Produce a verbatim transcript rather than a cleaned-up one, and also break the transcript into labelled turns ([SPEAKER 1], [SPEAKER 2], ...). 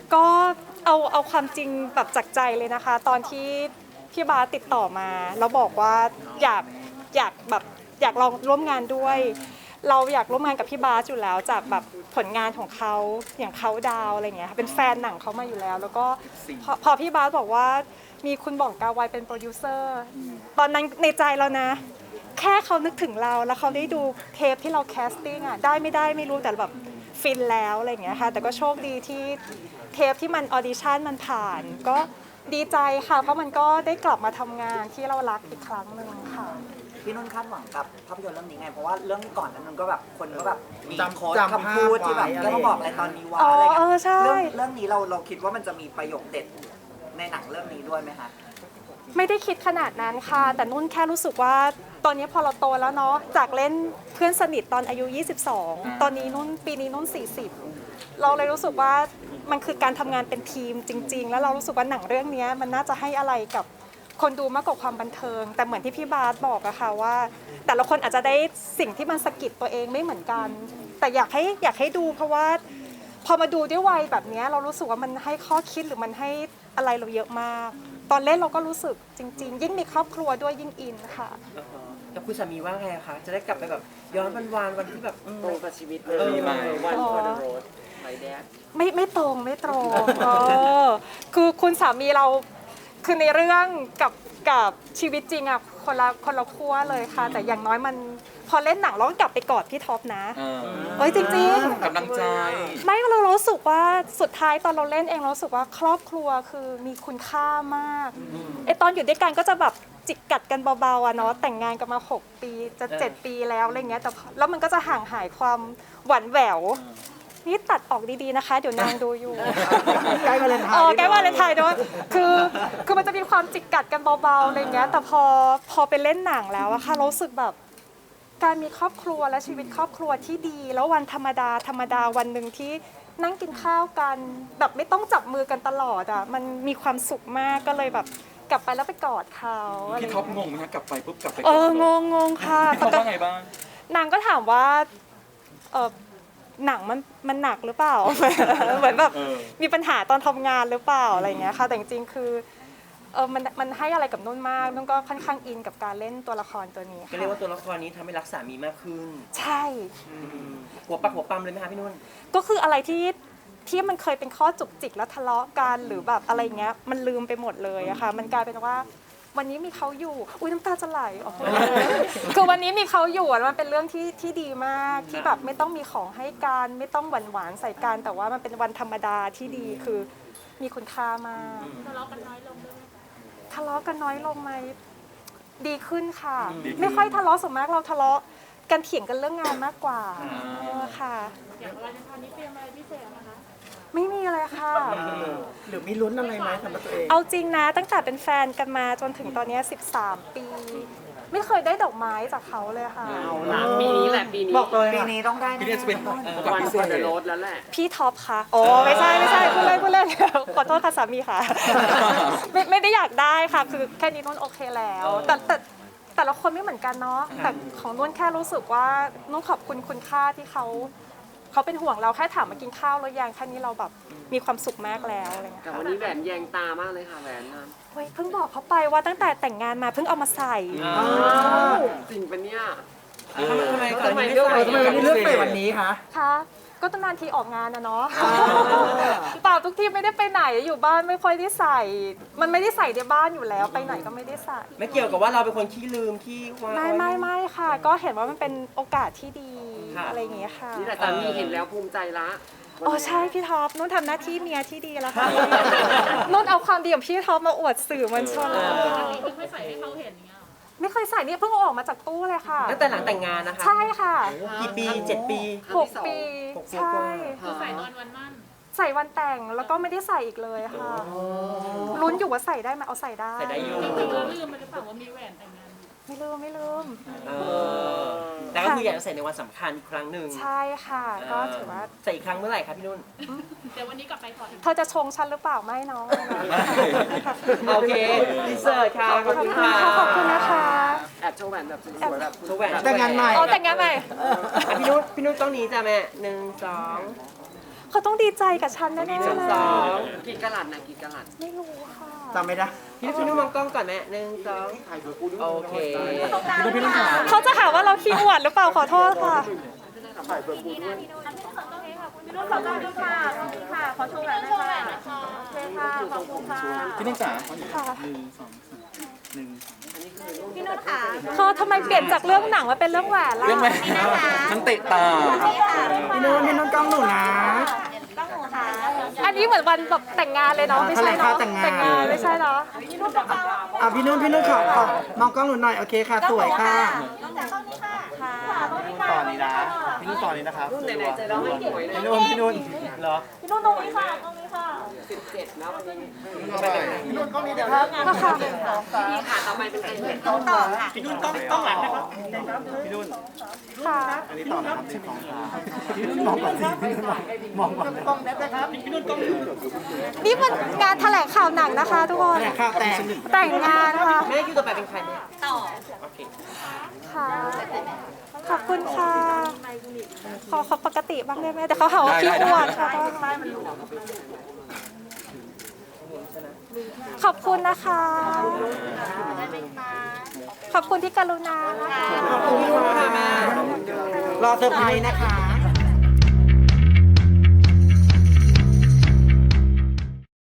[SPEAKER 1] ก็เอาเอาความจริงแบบจากใจเลยนะคะ ตอนที่พี่บาสติดต่อมาแล้วบอกว่าอยากอยากแบบอยากลองร่วมงานด้วย เราอยากร่วมงานกับพี่บาสอยู่แล้วจากแบบผลงานของเขาอย่างเขาดาวอะไรเงี้ยเป็นแฟนหนังเขามาอยู่แล้ว แล้วก็พอพอพี่บาสบอกว่ามีคุณบ่องกาไวเป็นโปรดิวเซอร์ตอนนั้นในใจเรานะ แค่เขานึกถึงเราแล้วเขาได้ดูเทปที่เราแคสติ้งอ่ะได้ไม่ได้ไม่รู้แต่แบบฟินแล้วอะไรอย่างเงี้ยค่ะแต่ก็โชคดีที่เทปที่มันออดิชั่นมันผ่าน ก็ดีใจค่ะเพราะมันก็ได้กลับมาทำงานที่เรารักอีกครั้งหนึ่งค่ะ
[SPEAKER 2] พี่นุ่นคาดหวังกับภาพยนตร์เรื่องนี้ไงเพราะว่าเรื่องก่อนนั้นมันก็แบบคนก็แบบมี
[SPEAKER 3] จำ
[SPEAKER 2] โค้ด
[SPEAKER 3] จำ
[SPEAKER 2] คำพูดที่แบบ
[SPEAKER 3] ภาพไว้
[SPEAKER 2] แล้วมาบอกอะไรตอนนี้วะ
[SPEAKER 1] อ๋อ
[SPEAKER 2] อะไรเงี้
[SPEAKER 1] เออยใช่
[SPEAKER 2] เรื่องเรื่องนี้เราเราคิดว่ามันจะมีประโยคเด็ดในหนังเรื่องนี้ด้วยไหมคะ
[SPEAKER 1] ไม่ได้คิดขนาดนั้นค่ะ แต่นุ่นแค่รู้สึกว่าตอนนี้พอเราโตแล้วเนาะจากเล่นเพื่อนสนิทตอนอายุยี่สิบสองตอนนี้นุ่นปีนี้นุ่นสี่สิบเราเลยรู้สึกว่ามันคือการทำงานเป็นทีมจริง ๆ แล้วเรารู้สึกว่าหนังเรื่องนี้มันน่าจะให้อะไรกับคนดูมากกว่าความบันเทิง แต่เหมือนที่พี่บาสบอกอะค่ะว่า แต่ละคนอาจจะได้สิ่งที่มันสะกิดตัวเองไม่เหมือนกัน แต่อยากให้อยากให้ดูเพราะว่าพอมาดูด้วยวัยแบบนี้เรารู้สึกว่ามันให้ข้อคิดหรือมันให้อะไรเราเยอะมาก ตอนเล่นเราก็รู้สึกจริง ๆ ยิ่งมีครอบครัวด้วยยิ่งอินค่ะ
[SPEAKER 4] แล้วคุณสามีว่าไงคะจะได้กลับไปแบบย้อนวันวานวันที่แบบอืม
[SPEAKER 5] ตรงกับชีวิตเลยมีไหมวันฟอร์ดโรดไลแดด
[SPEAKER 1] ไม่ไม่ตรงไม่ตรงเออคือคุณสามีเราคือในเรื่องกับกับชีวิตจริงอะคนละคนละขั้วเลยค่ะ แต่อย่างน้อยมันพอเล่นหนังเราก็กลับไปกอดพี่ท็อปนะเอ้ยจริงๆ
[SPEAKER 3] กำลังใจ
[SPEAKER 1] ไม่เรารู้สึกว่าสุดท้ายตอนเราเล่นเองเรารู้สึกว่าครอบครัวคือมีคุณค่ามากไอตอนอยู่ด้วยกันก็จะแบบจิกกัดกันเบาๆอะเนาะแต่งงานกันมาหกปีจะเจ็ดปีแล้วอะไรเงี้ยแต่แล้วมันก็จะห่างหายความหวานแหววนี่ตัดออกดีๆนะคะ เดี๋ยวนางดูอยู่
[SPEAKER 3] ใกล้วาเลนไทน์
[SPEAKER 1] อ๋อใกล้วาเลนไทน์ด้วยคือคือมันจะมีความจิกกัดกันเบาๆอะไรเงี้ยแต่พอพอไปเล่นหนังแล้วอะค่ะเรารู้สึกแบบ การมีครอบครัวและชีวิตครอบครัวที่ดี แล้ววันธรรมดาธรรมดาวันหนึ่งที่นั่งกินข้าวกัน แบบไม่ต้องจับมือกันตลอดอ่ะมันมีความสุขมากก็เลยแบบกลับไปแล้วไปกอดเขาอะไร
[SPEAKER 3] พี่ท็อปงงไหมคะกลับไปปุ๊บกลับไป
[SPEAKER 1] เอองงงงค่ะ
[SPEAKER 3] พี่ท็อปว่าไงบ้าง
[SPEAKER 1] นางก็ถามว่าเออหนังมันมันหนักหรือเปล่า เหมือนแบบ
[SPEAKER 3] เออ
[SPEAKER 1] มีปัญหาตอนทำงานหรือเปล่าอะไรอย่างเงี้ยค่ะแต่จริงๆคือเออมันมันให้อะไรกับนุ่นมากนุ่นก็ค่อนข้างอินกับการเล่นตัวละครตัวนี้
[SPEAKER 4] ก็
[SPEAKER 1] ค่ะ
[SPEAKER 4] เรียกว่าตัวละครนี้ทำให้รักสามีมากขึ้น
[SPEAKER 1] ใช่
[SPEAKER 4] อืมหัวปักหัวปั๊มเลยไหมคะพี่นุ่น
[SPEAKER 1] ก็คืออะไรที่ที่มันเคยเป็นข้อจุกจิกแล้วทะเลาะกันหรือแบบอะไรเงี้ยมันลืมไปหมดเลยอะค่ะมันกลายเป็นว่าวันนี้มีเขาอยู่อุ้ยน้ำตาจะไหลออกมาคือวันนี้มีเขาอยู่อะมันเป็นเรื่องที่ที่ดีมากที่แบบไม่ต้องมีของให้กันไม่ต้องหวานหวานๆใส่กันแต่ว่ามันเป็นวันธรรมดาที่ดีคือมีคุณค่ามากทะเลาะกันน้อยลงด้วยทะเลาะกันน้อยลงไหมดีขึ้นค่ะ ไม่ค่อยทะเลาะส่วนมากเราทะเลาะกันเถียงกันเรื่องงานมากกว่าเออค่ะ
[SPEAKER 6] อย่างวาเลนไทน์นี้เตรียมอะไรพิเศษนะคะ
[SPEAKER 1] ไม่มีเลยค่ะ
[SPEAKER 3] หรือมีลุ้นอะไรไหมสำหรับตัวเอง
[SPEAKER 1] เอาจริงนะตั้งแต่เป็นแฟนกันมาจนถึงตอนนี้สิบสามปี ไม่เคยได้ดอกไม้จากเขาเลยค่ะ
[SPEAKER 5] เอาละปีนี้แหละปีนี้
[SPEAKER 3] บอกเลย
[SPEAKER 2] ปี
[SPEAKER 3] ค่ะ
[SPEAKER 2] นี้ต้องได้
[SPEAKER 3] ปีนี้จะเป็น
[SPEAKER 2] แน่ๆ
[SPEAKER 3] โอกาส
[SPEAKER 5] วัน
[SPEAKER 3] พิ
[SPEAKER 5] ฟ
[SPEAKER 3] เศ
[SPEAKER 5] อ
[SPEAKER 3] ษ
[SPEAKER 5] ร์ดโรดแล้วแหละ
[SPEAKER 1] พี่ท็อปค่ะโอ้ไม่ใช่ไม่ใช่พูดเล่นพูดเล่น ขอโทษค่ะสามีค่ะ ไม่ไม่ได้อยากได้ค่ะ คือแค่นี้นุ่นโอเคแล้วแต่แต่แต่ละคนไม่เหมือนกันเนาะแต่ของนุ่นแค่รู้สึกว่านุ่นขอบคุณคุณค่าที่เขาเขาเป็นห่วงเราแค่ถามมากินข้าวแล้วยังแค่นี้เราแบบมีความสุขมากแล้วอะไรเงี้ย
[SPEAKER 5] แต่
[SPEAKER 1] ค่ะ
[SPEAKER 5] วันนี้แหวนแยงตามากเลยค่ะแหวนนะ
[SPEAKER 1] เฮ้ยเพิ่งบอกเขาไปว่าตั้งแต่แต่งงานมาเพิ่งเอามาใส่
[SPEAKER 5] อ้าวจริงปะเนี่ย
[SPEAKER 4] ทำไมทำไมก่อน
[SPEAKER 5] ทำไม
[SPEAKER 4] นี้
[SPEAKER 5] เลือก
[SPEAKER 4] ใส่
[SPEAKER 3] ทำไมวันนี้เลือกใส่วันนี้คะ
[SPEAKER 1] คะก็ตั้งนานทีออกงานนะเนาะเปล่าทุกทีไม่ได้ไปไหนอยู่บ้านไม่ค่อยได้ใส่ มันไม่ได้ใส่ในบ้านอยู่แล้วไปไหนก็ไม่ได้ใส่
[SPEAKER 4] ไม่เกี่ยวกับว่าเราเป็นคนขี้ลืมขี้ว่า
[SPEAKER 1] ไม่ไม่ไม่ค่ะ ก็เห็นว่ามันเป็นโอกาสที่ดี
[SPEAKER 4] ค่ะ
[SPEAKER 1] อะไรอย่างเงี้ยค่ะ
[SPEAKER 5] นี่แต่สามีเห็นแล้วภูมิใจละ
[SPEAKER 1] อ๋อใช่พี่ท็อปนุ่นทำหน้าที่เมียที่ดีแล้วค่ะนุ่นเอาความดีของพี่ท็อปมาอวดสื่อมวลชน
[SPEAKER 6] ไม่ค่อยใส่ให้เขาเห็นอย่างเงี้ยหรอ
[SPEAKER 1] ไม่เคยใส่เนี่ยเพิ่งเอาออกมาจากตู้เลยค่ะ
[SPEAKER 4] ตั้งแต่หลังแต่งงานนะคะ
[SPEAKER 1] ใช่ค่ะ
[SPEAKER 4] กี่ปีเจ็ดปี
[SPEAKER 1] หกปี
[SPEAKER 4] หกปี
[SPEAKER 1] ใช่
[SPEAKER 4] กว่า
[SPEAKER 6] คือใส่ตอนวันมั่น
[SPEAKER 1] ใส่วันแต่งแล้วก็ไม่ได้ใส่อีกเลยค่ะลุ้นอยู่ว่าใส่ได้ไหมเอาใส่ได้
[SPEAKER 4] ใส่ได้อยู่
[SPEAKER 6] จริงๆเราลืมไปหรือเปล่าว่ามีแหวนแต่งงาน
[SPEAKER 1] ไม่ลืมไม่ลืม
[SPEAKER 4] เออแต่ก็คืออยากจะใส่ในวันสำคัญอีกครั้งหนึ่ง
[SPEAKER 1] ใช่ค่ะ ก็ถือว่า
[SPEAKER 4] ใส่อีกครั้งเมื่อไหร่ครับพี่นุ่น
[SPEAKER 6] เดี๋ยววันนี้กลับไปถอด
[SPEAKER 1] เธอจะชงฉันหรือเปล่าไม่น้อง
[SPEAKER 4] โอเคดีเซอร์ค่ะ ขอบคุณค่ะ
[SPEAKER 1] ขอบคุณนะคะ
[SPEAKER 5] แอบโชว์แหวนแบบสวยๆแบบ
[SPEAKER 4] โชว์แหวน
[SPEAKER 3] แต่งงานใหม่
[SPEAKER 1] อ๋อแต่งงานใหม่
[SPEAKER 4] อ่ะพี่นุ่นพี่นุ่นต้องหนี้จ้ะแม่หนึ่งสอง
[SPEAKER 1] เขาต้องดีใจกับฉันแน่ๆเลย
[SPEAKER 5] สองกี่กะลัดนะกี่กะลัด
[SPEAKER 1] ไม่รู้ค่ะ
[SPEAKER 3] จำไม่ได้
[SPEAKER 4] พี่นุ่นพี่นุ่นมองกล้องก่อนแม่หนึ่งสองโอเค
[SPEAKER 3] พี่นุ่นพี่นุ่นขา
[SPEAKER 1] เขาจะหาว่าเราขี้อวดหรือเปล่าขอโทษค่ะ
[SPEAKER 3] พี่นุ่นจ๋า
[SPEAKER 1] ค่ะ
[SPEAKER 3] หนึ่งสองสามหนึ่ง
[SPEAKER 1] เขาทำไมเปลี่ยนจากเรื่องหนังมาเป็นเรื่องแหวนล่ะ
[SPEAKER 3] เรื่องไหมมันเตะตา พี่นุ่นพี่นุ่นกล้องหนูนะ
[SPEAKER 1] อันนี้เหมือนวันแบบแต่งงานเลยเนาะไม่ใช่เนาะ
[SPEAKER 3] แถลงข่าวแต่งงาน
[SPEAKER 1] แต่งงานไม่ใช่เนาะ
[SPEAKER 3] อ่ะพี่นุ่นพี่นุ่นขอขอมองกล้องหนูหน่อยโอเคค่ะสวยค่ะ
[SPEAKER 7] ตอนนี้นะพี่นุ่นตอนนี้นะครับ
[SPEAKER 5] รุ่นไหนๆจะร้องให้หวยเลย
[SPEAKER 7] พี่นุ่นพี่นุ่นเหรอ
[SPEAKER 1] พี่นุ่นตรงนี้ค่ะตรงนี้ค่ะ
[SPEAKER 5] สิบเจ็ดนะวันนี้
[SPEAKER 7] พี่นุ่นกล้องนี้เดี๋ยวครับ
[SPEAKER 1] ก็ค่ะ
[SPEAKER 5] พี่ขาต่อไปเป็นใครเนี่ย
[SPEAKER 7] พี่นุ่นกล้องกล้องหลังนะครับพี่นุ่น
[SPEAKER 1] ค่ะ
[SPEAKER 7] อันนี้ต่อนะครับสิบสองค่ะพี่นุ่นมองก่อนสิพี่นุ่นมองก่อนกล้องแน็ตนะครับพี่นุ่นกล้อง
[SPEAKER 1] นี่มันงานแถลงข่าวหนังนะคะทุกคน
[SPEAKER 3] แถลงข่าวแต่ง
[SPEAKER 1] แต่งงานค่ะ
[SPEAKER 4] แม่คิวต่อไปเป็นใครแม่
[SPEAKER 1] ค่ะ ขอบคุณค่ะ ขอขอปกติบ้างได้ไหมแต่เขาหาว่าขี้อวดค่ะขอบคุณนะคะ ขอบคุณที่กรุณานะคะ
[SPEAKER 3] ขอบคุณค่ะแม่รอเซอร์ไพรส์นะคะ